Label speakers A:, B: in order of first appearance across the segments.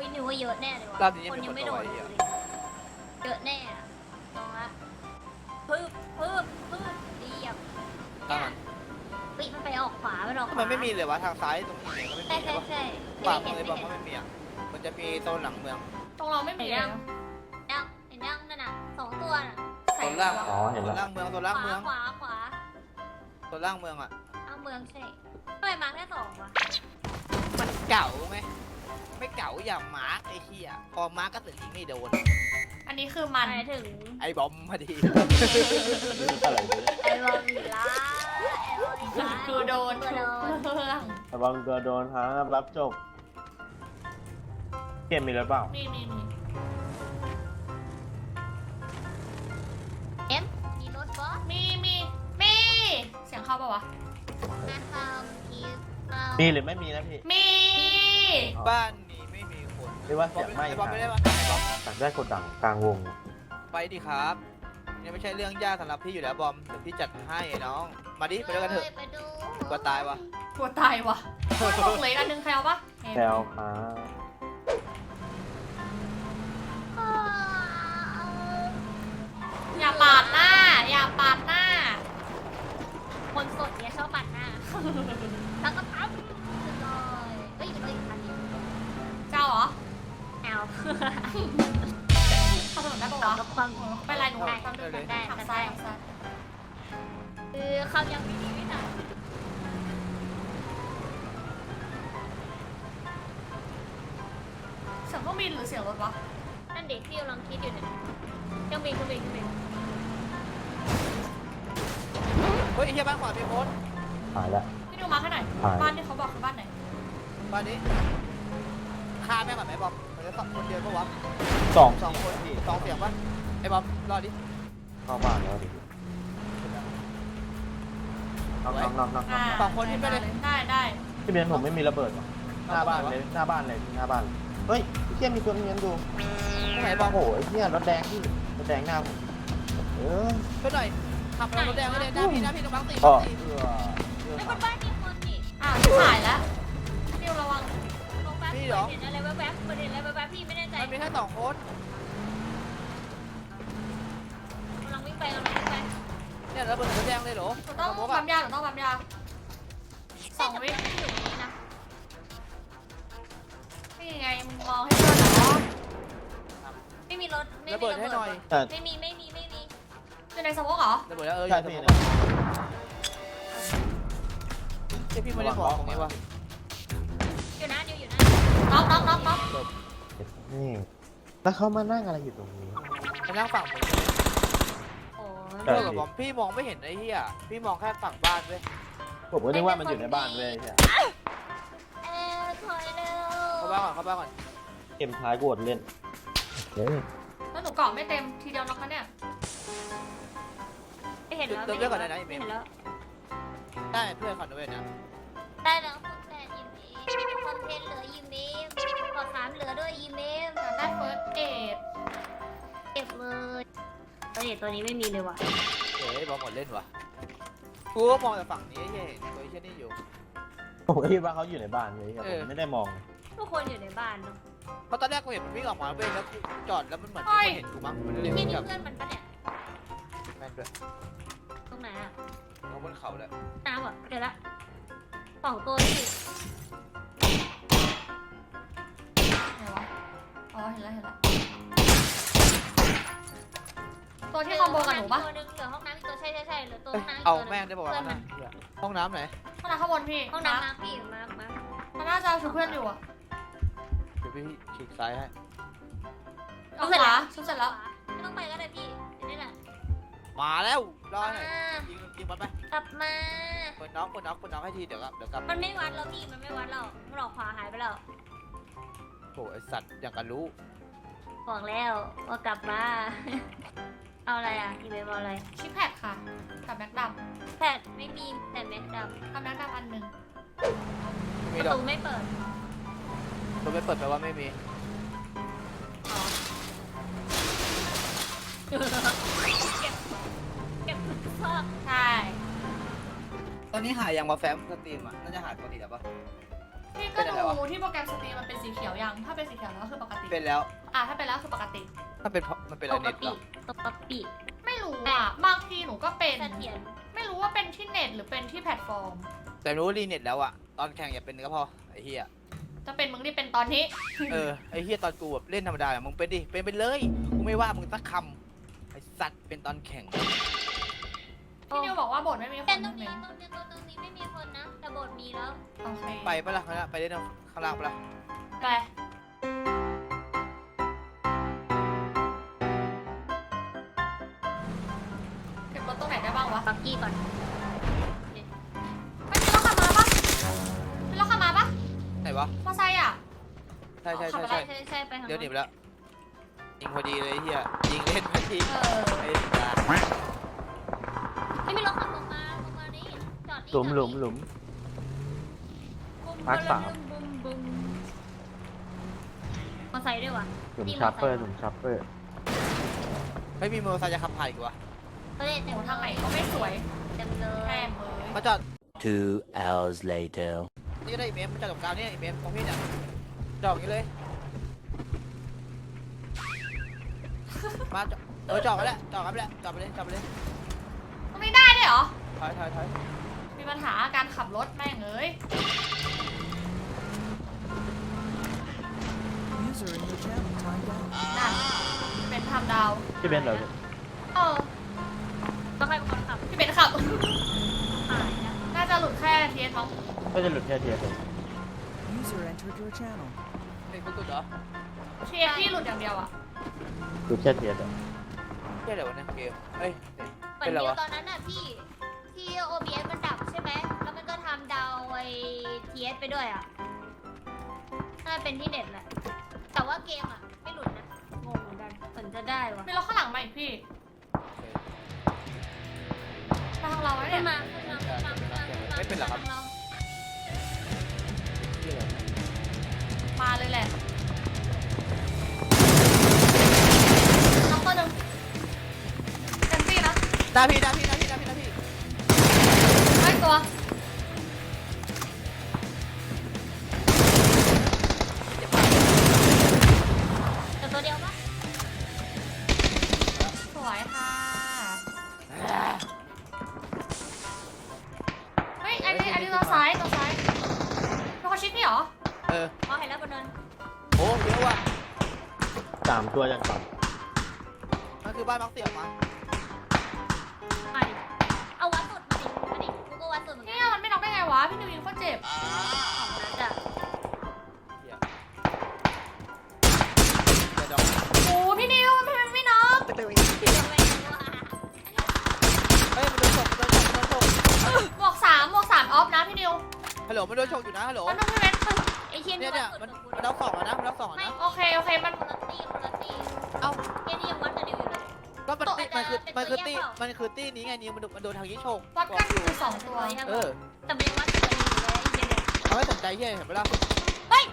A: พี่นิวว่าเยอะแน่เลยวะ
B: รอบนี้
A: คนยังไม่
B: มี
A: โด
B: คน
A: น
B: โดน
A: เลย
B: ไอ้เหี้ย
A: เยอะแน่อะลองละปึ๊บเรียบ
B: ตั้งมัน
A: ปิมันไปออกขวามันออกข
B: ทำ
A: วา
B: ไมไม่มีเลยวะทางซ้ายตรงนี้เนี่ยก็ไม่
A: ใช่
B: มีเล
A: ใช่
B: ยวะ
A: ใช่
B: ขวา
A: ไม่
B: มื
A: เห็
B: อน เลย
A: ไม่
B: บอก
A: เห็น
B: ว่าไม่มีอ่ะมันจะมีโซนหลังเมือง
C: ตรงเราไม่มีเลยนะ
A: เห็นยังนั่นน่ะ2 ตัวน่ะ
C: ใส่
B: โซนล่าง
D: อ๋อเห็น
B: โซ
D: แล้ว
B: นล่างเมืองโซนล่างเมือง
A: ขวา
B: โซนล่างเมืองอ่ะ
A: เอาเมืองใช่ทำไมมาแค่2วะ
B: มันเก่าไงไม่เก่าอย่างมาร์กไอ้เหี้ยพอมาร์กก็ถึงยิงไม่โดน
C: อันนี้คือมัน
A: หมายถึง
B: ไอ้บอมพอดี
D: อะไรเนี่ย
A: ไอ้บอมอีกละไอ้บอมอีกละ
C: คือโดน
A: ตัว
C: ทุก
A: โดน
C: เรื่อง
D: ระวังตัวโดนฮะรับจบ เกมมีหรือเปล่า
C: มี
A: มีรถบอส
C: มีเสียงเข้าปะวะ
A: นะครับมี
D: มีหรือไม่มีนะพี่
C: มี
B: บ้านนี้ไม่มีคน
D: เรียกว่าเสียงไม่
B: ไอ้บอม
D: หา
B: ไม่
D: ย
B: ได้ปะไอ้บอม
D: ตัดได้กดดังกลางวง
B: ไปดิครับยังไม่ใช่เรื่องยากสำหรับพี่อยู่แล้วบอมเดี๋ยวพี่จัดให้น้องมาดิไปด้วยกันเถอะ
A: ไปดู
B: กลัวตายวะ
C: กลัวตายวะบอกเลยอันนึงใครเอาปะ
D: แซวค่ะ
C: อย่าปาดหน้า อย่าปาดหน้า
A: คนสดเนี่ยชอบปั่นหน้าแล้วก็ปั๊บเลยเฮ้ยเลยคันนี้
C: เจ้าเหรอ
A: เอา
C: เข้าถนนได้ปะ
A: ต่อ
C: วะ
A: กับความ
C: ไม่เป็นไรหนู
A: ได้
C: ทำ
A: ได้
C: ทำซ้าย
A: คือเขายังไม่ดีไม่ทัน
C: เสียงเครื่องบินหรือเสียงรถวะ
A: นั่นเด็กที่กำลังคิดอยู่เนี่ยยังมี
B: เฮ้ยไอ้เหี้ยบ้านขวามีคน
D: หายแล้ว
C: พี่ดูมาแค่ไหน
D: หาย
C: บ้านที่เขาบอกคือบ้านไหน
B: บ้านนี้ฆ่าแม่งก่อนไหมบอมมันจะคนเดียวปะวะ
D: สอง
B: 2 คน2 เสียงปะไอ้บอมรอดิ
D: เข้าบ้านแล้วดิน็อก
B: สองคนที่ไม่ได้
C: ได้
D: พี่เบนผมไม่มีระเบิดว่ะหน้าบ้านเลยหน้าบ้านเลยหน้าบ้านเลยเฮ้ยพี่เชี่ยมีตัวนี้ดู
B: ตรงไหนบอม
D: โอ้โหไอ้เหี้ยรถแดงพี่รถแดงหน้าผมเออ
B: ช่วยหน่อยขับรถแดงไว้เลยหน้าพี่ตรงบังตี
D: ก็
A: ไม่คนบ้านมีคนนี่
C: อ้าวที่หายแล้วพี่ระวัง
A: ลงแป๊บเห็นอะไรแว๊บๆเห็นอะไรแว๊บๆพี่ไม่แน่ใจ
B: มันมีแค่2 คน
A: กำลังวิ่งไป
B: เนี่ยระเบิดรถแดงเลยเหรอ
C: หนูต้องปั๊มยา2 วิ
A: อยู่ตรงนี้นะ
C: นี่ไงมึงมองให้เพื่อนเหรอ
A: ไม่มีรถไม่
B: ระ
A: มี
B: เบิด
A: ระ
B: ให้
A: เบิ
B: หน่อย
A: ด
D: แต่
A: ไม่มี
C: อยู่ในสมองเหรอ
B: ระเบิดแล้วอ
D: ใช่
B: ยู่
D: พี่
B: ตรง
D: นะ
B: พี่ไม่ได้บอกตรงนี้วะ
A: อยู่นะอยู่นะ
C: น็อก
D: นี่แล้วเขามานั่งอะไรอยู่ตรงนี้
B: มานั่งฝั่งผม
A: โอ้
D: ใช่
B: เพื่อกับผมพี่มองไม่เห็นไอ้เหี้ยพี่มองแค่ฝั่งบ้านเว้ย
D: ผมก็นึกว่ามันอยู่ในบ้านเลยใช่
A: ถอยเร็ว
B: เข้าบ้านก่อน
D: เกมท้ายกูอดเล่นเฮ้ย
C: แล้วหนูเกาะไม่เต็มทีเดียวน็อกนะเนี่ย
A: ไม่เห็นแล้ว
B: เติมเลือดก่อนได้นะอีเม
A: เห็
B: ล
A: นแล้ว
B: ได้เพื่อนคอนด้วยนะ
A: ได้แล้วคุณแต่ยิมดีคอนเทนต์เหลือยิมดีขอ3เหลือด้วยยิมดี
C: ได้เฟิร์สเอด
A: เก็บเลยตัวนี้ไม่มีเลยว่ะ
B: เฮ้ยบอลหมดเล่นวะกูก็มองแต่ฝั่งนี้เฮ้ยตัวไอ้เช่นนี้อยู่
D: ผมก็คิดว่าเขาอยู่ในบ้านเลยครับผมไม่ได้มอง
A: ทุกคนอยู่ในบ้านเนาะ
B: เพราะตอนแรกกูเห็นมันวิ่งออกมาเว้ยแล้วกูจอดแล้วมันเหมือนมีคนเห็นกูมั้งมันเลย
A: ที่
B: วิ่ง
A: นี่
B: กลับ
A: เพื่อนมันปะเนี่ย
B: แม่นด้วย
A: ตรงไหนอะ
B: ลงบนเขาแล้ว
A: น้ำอ่ะเดี๋ยวละ2 ตัวที่
C: ไหนวะอ๋อเห็นแล้วตัวที่คอมโบกับหนูปะ
A: ตัวนึงเหลือห้องน้ำอีกตัวใช่เหลือตัวห้องน้ำอีก
B: เอา
A: ตัว
B: แม่งได้บอกว่าห้องน้ำไหน
C: ห้องน้ำข้างบนพี่
A: ห้องน้ำมาพี่มา
C: มันน่าจะชุบเพื่อนอยู่อะ
B: เดี๋ยวพี่ฉีกซ้ายให้
C: เอาขวาชุบเสร็จแล้ว
A: ไม่ต้องไปก็ได้พี่นี่แหละ
B: มาแล้วรอหน่อยยิงมันไป
A: กลับมา
B: เปิดน้องให้ทีเดี๋ยวกลับ
A: มันไม่วัดแล้วพี่มันไม่วัดแล้วมันออกขวาหายไปแล้ว
B: โอ้ไอสัตว์อย่างกันรู้
A: บอกแล้วว่ากลับมา เอาอะไรอ่ะอีเมลเอาอะไร
C: ชิปแพดค่ะกับแม็กด
A: แพทไม่มีแต่แม็กด
C: ำกับแม็กดำอันหนึ่ง
A: ำ
B: มี
A: ประ
B: ดอก
A: ตูไม่เปิด
B: ตัวไม่เปิดแปลว่าไม่มี
A: เก็บซอก
C: ใช่
B: ตอนนี้หายังมาแฟ้มสตรีมอ่ะน่าจะหาปกติแล้วปะ
C: พี่ก็ดูที่โปรแกรมสตรีมมันเป็นสีเขียวยังถ้าเป็นสีเขียวแล้วก็คือปกติ
B: เป็นแล้ว
C: ถ้าเป็นแล้วคือปกติ
B: ถ้าเป็นเพราะมันเป็นอะไรเน็ตเหรอ
A: ปกติ
C: ไม่รู้อ่ะบางทีหนูก็เป็น
A: เสถียร
C: ไม่รู้ว่าเป็นที่เน็ตหรือเป็นที่แพลตฟอร์ม
B: แต่รู้รีเน็ตแล้วอะตอนแข่งอย่าเป็นก็พอไอ้เหี้ย
C: จะเป็นมึงที่เป็นตอนนี้
B: ไอ้เหี้ยตอนกูแบบเล่นธรรมดาอะมึงเป็นดิเป็นไปเลยกูไม่ว่ามึงสักคำไอ้สัตว์เป็นตอนแข่ง
C: พี่นิวบอกว่าบทไม่มีค
A: แต่
C: น
A: ตรง
C: ใช่ไหม
A: นี้ตรงนี้ไม่มีคนนะ แต่โบสถ์มีแล้ว
C: โอเค
B: ไปปะล่ะไปเล่นข้างล่างปะล่ะ
C: ไปเก็บรถตรงไหนได้บ้างวะ
A: ปักกี้ก่อน
C: ไม่มีรถขับมาปะมีรถขับมาปะ
B: ไหนวะ
C: มอไซค์อ่ะ
B: ใช่
C: ขับอะไร
A: ใช่ไปทาง
B: เดี๋ยวหนีไปแล้วยิงพอดีเลยไอ้เหี้ยยิงเล่นพอดี ไอ้สัตว์
A: ไม่มีรถขับลงมานี่จอดนี่
D: หลุม มาร์ค 3
A: บุ้มบุ้มมอไซค์ด้วยวะ
D: หลุมชัปเปอร์
B: ไม่มีมอเตอร์ไซค์จะขับผ่านอีกวะ
A: ก็เลยเต็
C: โอ้
A: ม
C: ทางไหนก็ไม่สวย
A: เต็มเลย
C: แพงเลย
B: มาจอด
E: 2 hours later.
B: นี่ก็ได้อีเมลมาจอดกับกาวเนี่ยอีเมลของพี่เนี่ยจอดอย่างนี้เลยมาจอดไปแล้วจอดไปแล้วจอดไปเลย
C: ตรงนี้ได้ด้วยเหรอ
B: ถอย
C: มีปัญหาการขับรถแม่งเอ้ย
F: User in your channel timed out.
C: นั่นเป็นทำดาว
D: พี่เบนเหรอ
A: ต้องให้คนขับ
C: พี่เบนขับ
A: หายนะ
C: น่าจะหลุดแค่เทียนมั้ง
D: ก็จะหลุดแค่เทียร์เลย
F: User entered your channel.
B: เด็กกุดเหรอ
C: เทียนที่หลุดอย่างเดียวอ่ะ
D: หลุดแค่เทียร์เลย
B: เที่ยอะไรวะเนี่ยเกมเอ้ย
A: เหมือน
B: เป็นไร
A: เดียว
B: วะ
A: ตอนนั้นน่ะพี่ที่ OBS มันดับใช่ไหมแล้วมันก็ทำดาวไอ้ TS ไปด้วยอ่ะน่าจะเป็นที่เน็ตแหละแต่ว่าเกมอ่ะไม่หลุดนะงงเหมือนกันเหมือนจะได้วะ
C: มีรถข้างหลังมาอีกพี่ไปทางเราไว้
A: ขึ้
C: เนี่
A: น
C: ย
A: มาขึ้นมา
B: ไม่เป็นหรอครับ
A: ทางเรา
C: มาเลยแหละน้องตัวหนึ่งเต็มที่นะ
B: หน้าพี่
C: ไม่ตัว
A: แต่ตัวเดียวปะ
C: สวยค่ะเฮ้ยอันนี้ตัวซ้ายตัวเขาชิดนี่เหรอ
A: อ๋อเห็นแล้วบนเนิน
B: โอ้เยอะว่ะ
D: 3 ตัวยังต่
B: มันคือบ้านมักเสี่ยงมา
A: มาดิเอาวัดสุดมาดิกูก็วัดสุดเหมือน
C: เนี่
A: กั
C: ย
A: น
C: มันไม่น็อกได้ไงวะพี่นิวยิงโคตรเจ็บ
A: ของนัดอะ
B: เหี้ยเดี๋ยวดอก
C: โอ้พี่นิวทำไมมันไม่น็อก
A: เดี๋ยวไม่รู้ว่า
B: เฮ้ยมันโดนฉก
C: บวก3ออฟนะพี่นิว
B: ฮัลโหลมันโดนฉกอยู่นะฮัลโหล
C: มันต้องพี่เว้น
A: ไอ้เทียน
B: เนี่ยมันน็อกสองแล้วนะมันน็อกสองแล้วนะ
C: โอเคมัน
A: คนละตี
B: เอ้า
A: เทียนนี่ยังวัดกับนิวอยู่เลย
B: ก็มันคือตี้นี้ไงนิวมันโดนทางนี้ฉก
C: วัดกันคือ2ตัว
A: แต่มันยังวัดกับนิวอยู่เลยไอ้เทียนเนี่ย
B: เขาไม่สนใจเหี้ยเห็นไหมล่ะ
A: เฮ้ย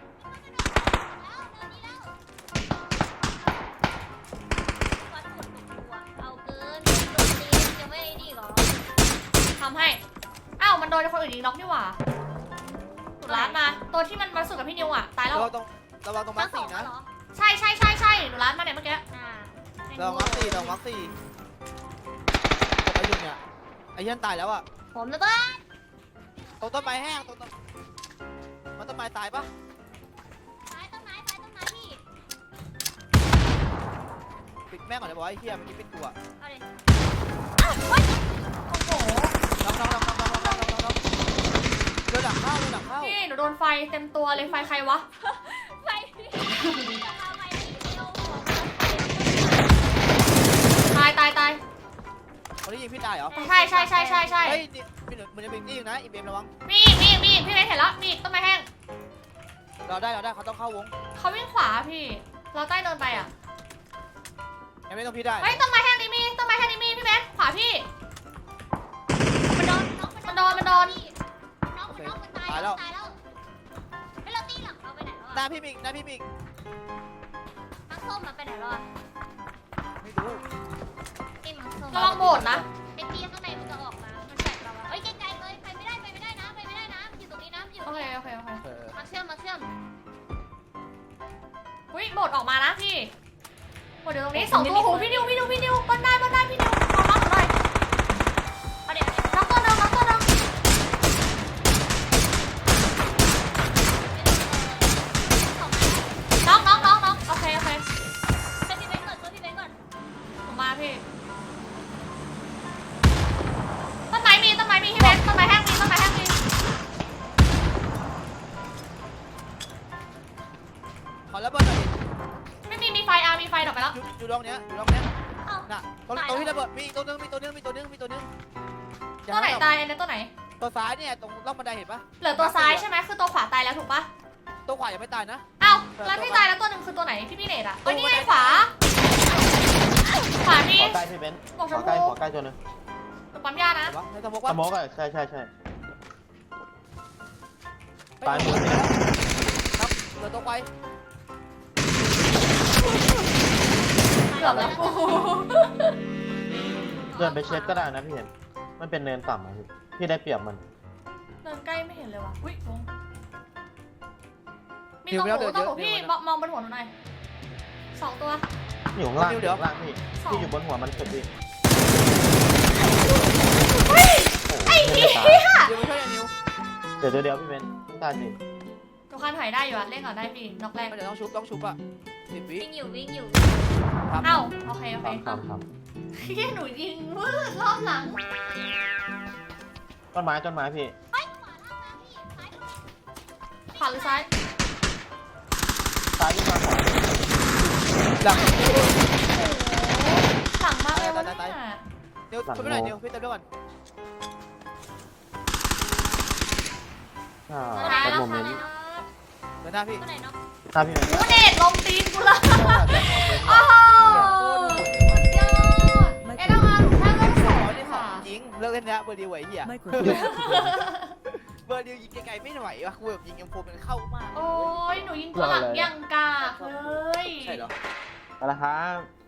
A: วัดสุดตัวเอาเกินโดนตียังไม่นี่หรอ
C: ทำให้อ้าวมันโดนคนอื่นยิงน็อกนี่หว่าสุดร้านมาตัวที่มันมาสุดกับพี่นิวอ่ะตายแล้ว
B: ระวังตรงมาร์คสี่นะ
C: ใช่หนูร้านมาเนี่ยเมื่อกี้
B: ระวังมาร์คสี่ตกไปอยู่เนี่ยไอ้เหี้ยตายแล้วอ่ะ
A: ผมแล้วก็
B: ตรงต้นไม้แห้งตรงมันต้นไม้ตายปะ
A: ต้นไม้พี่
B: ปิดแม่งก่อนเลยบอกว่าไอ้เหี้ยมันกินเป็นตัว
A: เอาดิ
C: โอ้โห
B: น้องโดนหลังเข้า
C: พี่หนูโดนไฟเต็มตัวเลยไฟใครวะ
A: ไฟจะมาไฟเดียว
C: ตาย
B: คนที่ยิงพี่ตายเหรอ
C: ใช่
B: เฮ้ยมันจะเป็นนี่นะอีเบมระวัง
C: มีอีกพี่เว้นเห็นแล้วมีอีกต้นไม้แห้ง
B: เราได้เขาต้องเข้าวง
C: เขาวิ่งขวาพี่ เราใต้เดินไปอ่ะ
B: ยังไม่ต้องพี่ได้
C: เฮ้ยต้นไม้แห้งนี้มีพี่เบสขวาพี่
A: มันโดน
C: มันโดน
A: มันตายแล้วไม่เราตีหลังเราไปไหนแล้ว
B: หน้า
A: อะ
B: พี่มิก
A: มังส้มมันไปไหนแล้วอะ
B: ไม่รู้
A: ตีมังส้ม
C: ระวังโบดนะ
A: ไอ้ตีข้างในมันจะออกมา มันแฝงเราอะเอ้ยไกลๆเลยไปไม่ได้นะมันอยู่ตรงนี้นะมันอยู่ต
C: โอ
A: รง
C: เค
A: นี้
C: โอเค
A: เชื่อมมาเชื่อม
C: อุ้ยโหมดออกมานะพี่โหมดเดี๋ยวตรงนี้สองตัวโหพี่นิวบนได้พี่นิวขอมาหน่อย
A: เอาเดี๋ยว
C: น็อกตัวนึง
A: สอง
C: น้องโอเค
A: เป็นที่เบนก่อนตัวที่เบนก่อน
C: ผมมาพี่ต้นไม้มีพี่เบสต้นไม้แห้งมี
B: ขอระเบิดหน่อยดิ
C: ไม่มีไฟมีไฟดอกไปแล้ว
B: อยู่ตรงเนี้ย
A: เอ้า
B: น่ะตรงที่ระเบิดมีตัวนึง
C: ตัวไหนตายอันนี้ตัวไหน
B: ตัวซ้ายเนี่ยตรงร่องบันไดเห็นปะ
C: เหลือตัวซ้ายใช่ไหมคือตัวขวาตายแล้วถูกปะ
B: ตัวขวายังไม่ตายนะ
C: อ้าวแล้วที่ตายแล้วตัวหนึ่งคือตัวไหนพี่เนตอะนี่ไงขวานี่
D: ขอใกล้พี่เบนซ์ขอใกล้ตัวนึง
C: ตัวปั๊มยานะ
B: เห็นปะในสมอง
D: ส
B: ว่า
D: โมกอะใช่ตายหมด
B: ครับเหลือตัวไว
C: เกือบแล้วกู
D: เดินไปเช็คก็ได้นะพี่เห็นมันเป็นเนินต่ำอะพี่ได้เปรียบมัน
C: เดินใกล้ไม่เห็นเลยว่ะอุ้ยลงมีตัวหมูพี่มองบนหัวหนูหน่อย2 ตัว
D: อยู่ข้างล่างพี่อยู่บนหัวมันสุดพี่
C: ไอ้เหี้ย
B: เดี๋ยวไม่ใช่นิว
D: เดี๋ยวพี่เบนซ์ตายสิ
C: ตัวคันถอยได้อยู่อะเล่นก่อนได้พี่นอกแรก
B: เดี๋ยวต้องชุบอ่ะ10 วิ
A: วิ่งอยู่
C: เอ้าโอเค
D: ทำ
C: แค่หนูยิงวืดรอบหลัง
D: ต้นไม้พี่
C: ขวาหรือซ้าย
D: ซ้ายขึ้นมาขวา
B: หลัง
C: สั่งมากเลยวะเนี่ย
B: เดี๋ยวชุบไปหน่อยเดี๋ยวพี่เติมด้วยก่อน
D: เป็นโมเมนต์
B: เดินหน้าพี่
A: ตัวไหนเนาะ
D: ถ้าพี่เบนซ์
C: กูเดทลงตีนกูเลยโอ้โหยอดเอ็ดเอามาหนูข้างก็สองค่ะ
B: จริงเลิกเล่นแล้วเบอร์ดีไหวเหี้ย
F: Microphone.
B: เบอร์ดียิงไกลๆไม่ไหววะกูแบบยิงเอ็มโฟมันเข้ามาก
C: โอ้ยหนูยิงตัวหลังยังกากเลย
B: ใช่เหรอ
D: ไปละครับ